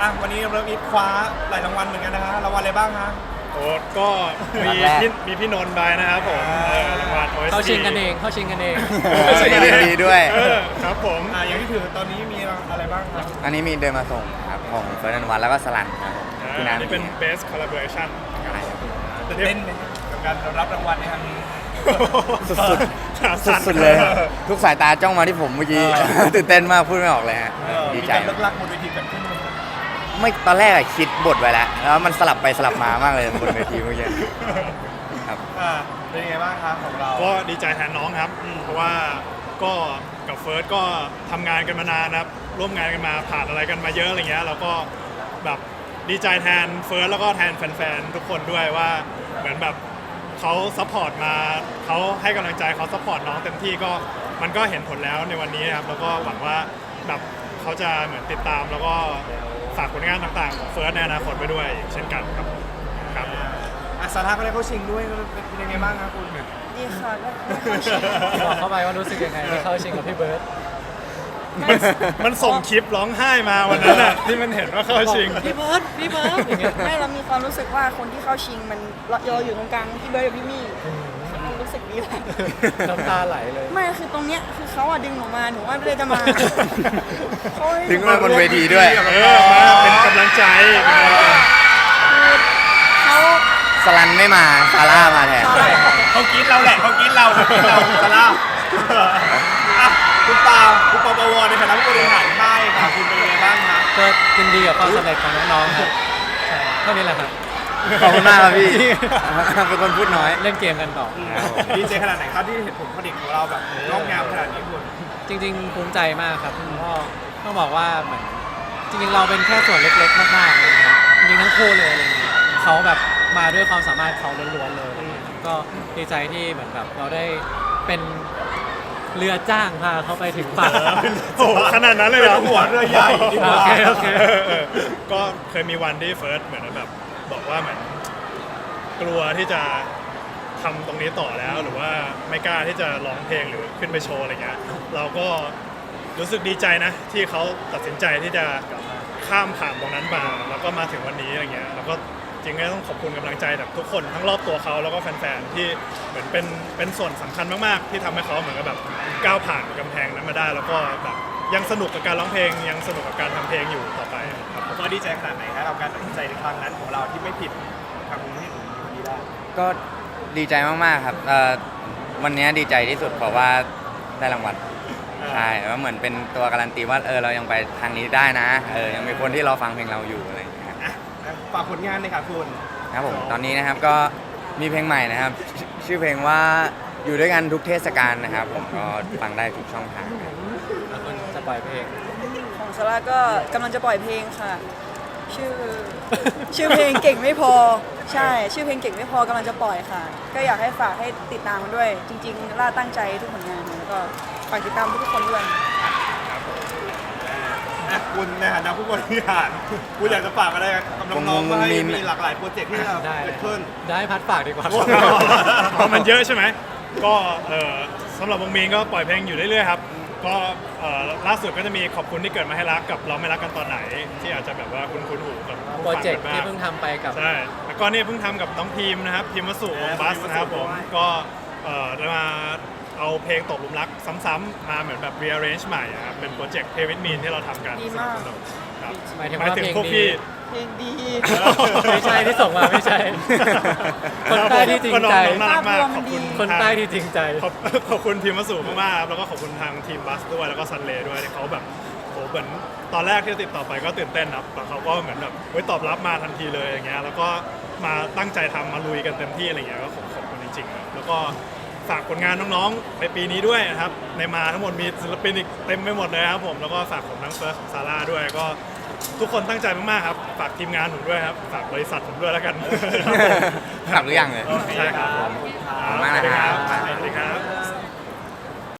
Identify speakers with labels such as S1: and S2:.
S1: วันนี้เริ่มอีฟคว้าหลายรางวัลเหมือนกันนะฮะรางวัลอะไรบ้างฮะ
S2: โอ้ก็มีพี่นนท์ไปนะครับผมรางวัล OST
S3: เข้าชิงกันเองเข้าชิงกันเอง
S4: ดีด้วย
S2: ครับผม
S1: อย่างที่ถือตอนนี้มีอะไรบ้างครับ
S4: อันนี้มีเดินมาส่งครับของเฟิร์นวันแล้วก็สลันครับพี่นัน
S2: นี่เป็น Best Collaboration
S4: ใช่ครับ
S1: ตื่นเต้นไหมกับการรับรางวัลในครั้งนี้
S4: สุดเลย ทุกสายตาจ้องมาที่ผมเมื่อกี้ ตื่นเต้นมากพูดไม่ออกเลยฮะดีใจ
S1: มีการเลิกลักบนเวทีกันขึ้นไหม
S4: ไม่ตอนแรกอะคิดบทไว้แล้วแล้วมันสลับไปสลับมามากเลยบนเวทีเมื่อกี้ครับ
S1: เป็นยังไงบ้างครับของเรา
S2: ก็ดีใจแทนน้องครับเพราะว่าก็กับเฟิร์สก็ทำงานกันมานานนะครับร่วมงานกันมาผ่านอะไรกันมาเยอะอะไรเงี้ยแล้วก็แบบดีใจแทนเฟิร์สแล้วก็แทนแฟนๆทุกคนด้วยว่าเหมือนแบบเขาซัพพอร์ตมาเขาให้กำลังใจเขาซัพพอร์ตน้องเต็มที่ก็มันก็เห็นผลแล้วในวันนี้ครับแล้วก็หวังว่าแบบเขาจะเหมือนติดตามแล้วก็ฝากผลงานต่างๆของเฟิร์สในอนาคตไปด้วยเช่นกันครับครับ
S1: สาธาก็ได้เข้าชิงด้วยเป็นยังไงบ้างครับคุณ
S5: ดีค่ะก็ได้เข้าชิง
S3: บอกเข้าไปว่ารู้สึกยังไงที่เข้าชิงกับพี่เบิร์ด
S2: มันส่งคลิปร้องไห้มาวันนั้นน่ะที่มันเห็นว่าเข้าชิง
S3: พี่เบิร์ดอย่างเงี้ย
S5: ไม่เรามีความรู้สึกว่าคนที่เข้าชิงมันเราอยู่ตรงกลางพี่เบิร์ดกับพี่มี่มันรู้สึกดีแหละ
S3: น้ำตาไหลเลย
S5: ไม่คือตรงเนี้ยคือเขาอะดึงออกมาหนูว่าไม่ได้จะมาเขาให้
S4: ถึงมาบนเวทีด้วย
S2: มาเป็นกำลังใจ
S5: เขา
S4: สลันไม่มาซาร่ามาแทน
S1: เขากินเราแหละเขากินเราซาร่าคุณปาปวในฐานะผู้บริหารค่ายค่ะคุณเป็นยังไงบ้างครับ
S3: ก็ยินดีกับความสำเร็จของน้องๆครับใช่เท่านี้แหละครับ
S4: ขอบคุณมากครับพี่ เป็นคนพูดน้อย
S3: เล่นเกมกันต่อ
S1: ดีใจขนาดไหนครับที่เห็นผลผลิตของเราแบบงอกงามขนาดนี้คุณ
S3: จริงๆภูมิใจมากครับก็ต้องบอกว่าเหมือนจริงๆเราเป็นแค่ส่วนเล็กๆมากๆเลยนะครับจริงๆทั้งคู่เลยอะไรเงี้ยเขาแบบมาด้วยความสามารถเขาล้วนๆเลยก็ดีใจที่เหมือนแบบเราได้เป็นเรือจ้างพาเขาไปถึงฝั่ง
S2: โอ้โหขนาดนั้นเลยเหรอ
S1: หัวเรือใหญ่ดีกว่า
S3: โอเค
S2: ก็เคยมีวันที่เฟิร์สเหมือนแบบบอกว่าเหมือนกลัวที่จะทำตรงนี้ต่อแล้วหรือว่าไม่กล้าที่จะร้องเพลงหรือขึ้นไปโชว์อะไรเงี้ยเราก็รู้สึกดีใจนะที่เขาตัดสินใจที่จะข้ามผ่านตรงนั้นมาแล้วก็มาถึงวันนี้อะไรเงี้ยแล้วก็จริงๆก็ต้องขอบคุณกำลังใจจากทุกคนทั้งรอบตัวเขาแล้วก็แฟนๆที่เหมือนเป็นส่วนสำคัญมากๆที่ทำให้เขาเหมือนกับแบบก้าวผ่านกำแพงนั้นมาได้แล้วก็แบบยังสนุกกับการร้องเพลงยังสนุกกับการทำเพลงอยู่ต่อไปครับ
S1: ผมก็ดีใจขนาดไหนครับกับการตัดสินใจในครั้งนั้นของเราที่ไม่ผิดทำให้ถึงวันนี้ได้
S4: ก็ดีใจมากๆครับวันนี้ดีใจที่สุดเพราะว่าได้รางวัลใช่แล้วเหมือนเป็นตัวการันตีว่าเรายังไปทางนี้ได้นะยังมีคนที่รอฟังเพลงเราอยู่อะไรอย่างเงี้ยครับ
S1: ฝากผลงานเลยค่ะคุณ
S4: ครับผมตอนนี้นะครับก็มีเพลงใหม่นะครับชื่อเพลงว่าอยู่ด้วยกันทุกเทศกาลนะครับผมก็ฟังได้ทุกช่องทางครับ
S3: แล้วคุณจะปล่อยเพลง
S5: ของซาร่าก็กำลังจะปล่อยเพลงค่ะ ชื่อเพลงเก่งไม่พอใช่ชื่อเพลงเก่งไม่พอกำลังจะปล่อยค่ะ ก็อยากให้ฝากให้ติดตามมันด้วย จริงๆล่าตั้งใจทุกผลงานแล้วก็ฝากติดตามทุกคนด้วย
S1: คุณในฐานะผู้บริหารคุณอยากจะฝากอะไรกับน้องๆว่าให้มีหลากหลายโปรเจกต์ที่จะ
S3: ได้
S1: เกิดขึ้น
S3: ได้พัดฝากดีกว่า
S2: เพราะมันเยอะใช่ไหมก็สำหรับวงมีนก็ปล่อยเพลงอยู่เรื่อยๆครับก็ล่าสุดก็จะมีขอบคุณที่เกิดมาให้รักกับเราไม่รักกันตอนไหน ที่อาจจะแบบว่าคุณหูกับผู้
S3: โปร
S2: ฟัง
S3: เจกต์
S2: กันบ้า
S3: ที่
S2: ง
S3: เพิ่งทำไปกับ
S2: ใช่แล้วก็นี่เพิ่งทำกับน้องพิมพ์นะครับพิมพ์วสุวงบัสนะครับผมก็ได้มาเอาเพลงตกหลุมรักซ้ำๆมาเหมือนแบบ rearrange ใหม่อะครับเป็นโปรเจกต์เพลวิดมีนที่เราทำกัน
S5: ดีมาก
S2: สนุกครับ
S3: หมายถึงว่า
S2: พวก
S3: เพลงดี
S2: พี่
S5: เพลงดี
S3: ไม่ใช่ที่ส่งมาไม่ใช่ คนใต้ที่จริงใจ
S2: น้อน่ารักมาก
S5: ภาพรวม
S2: ขอบคุณ
S3: คนใต้ที่จริงใจ
S2: ขอบคุณพิมพ์วสุมากๆครับแล้วก็ขอบคุณทางทีมบัสด้วยแล้วก็ซันเลย์ด้วยที่เขาแบบโหเหมือนตอนแรกที่ติดต่อไปก็ตื่นเต้นครับแต่เขาก็เหมือนแบบตอบรับมาทันทีเลยอย่างเงี้ยแล้วก็มาตั้งใจทำมาลุยกันเต็มที่อะไรเงี้ยก็ขอบคุณจริงๆครับแล้วก็ฝากผลงานน้องๆในปีนี้ด้วยนะครับในมาทั้งหมดมีศิลปินอีกเต็มไปหมดเลยครับผมแล้วก็ฝากผมทั้งเฟิร์สซาร่าด้วยก็ทุกคนตั้งใจมากๆครับฝากทีมงานผมด้วยครับฝากบริษัทผมด้วยแล้วกัน
S4: กลับหรือยังเลย
S2: ใช่ครับ
S4: ขอบคุณมากนะครับ
S2: สวัสดีครับ